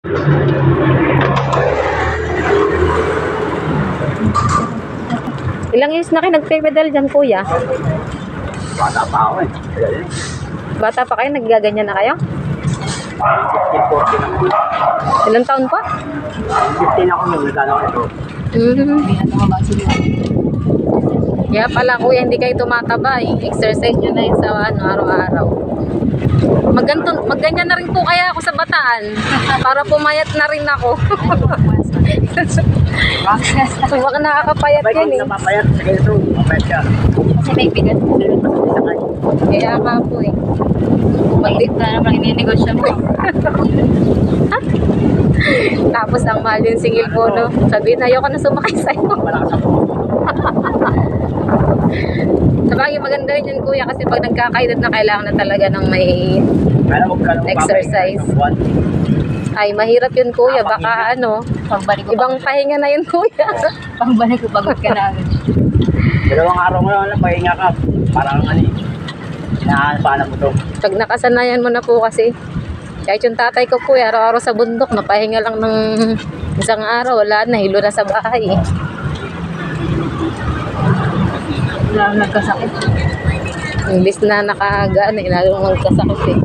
Ilang years na kayo nagpe-pedal dyan, kuya? Bata pa ako eh. Bata pa kayo, naggaganyan na kayo? 15, 14 ako. Ilang taon pa? 15 ako nung nagano ko ito. Kaya pala, kuya, hindi kayo tumataba eh. Exercise nyo na yun sa araw-araw. Magganyan na rin po kaya ako sa Bataan. Para pumayat na rin ako. So, baka nakakapayat Bakit yun kung eh. napapayat sa ganito, mapayat ka. Kasi may bigat. Kaya nga po eh. Mag-date na naman ininegosyo mo. Tapos ang mahal yung singil po, no? Sabihin, ayoko na sumakay sa'yo. Malakas ako. Sabagay, maganda yun kuya kasi pag nagkakaedad na kailangan na talaga ng may Kaya huwag ka lang exercise. papayat ng buwan. Ay, mahirap yun kuya. Baka Pagbalik ko. ibang pahinga na yun kuya. Pagbalik ko, pagod ka na. Dalawang araw mo lang, pahinga ka. Parang inahanap mo to. Pag nakasanayan mo na po kasi. Kahit yung tatay ko kuya, araw-araw sa bundok, napahinga lang ng isang araw. Wala na, hilo na sa bahay. Wala nagkasakit. Imbis na nakagaan, lalong magkasakit eh.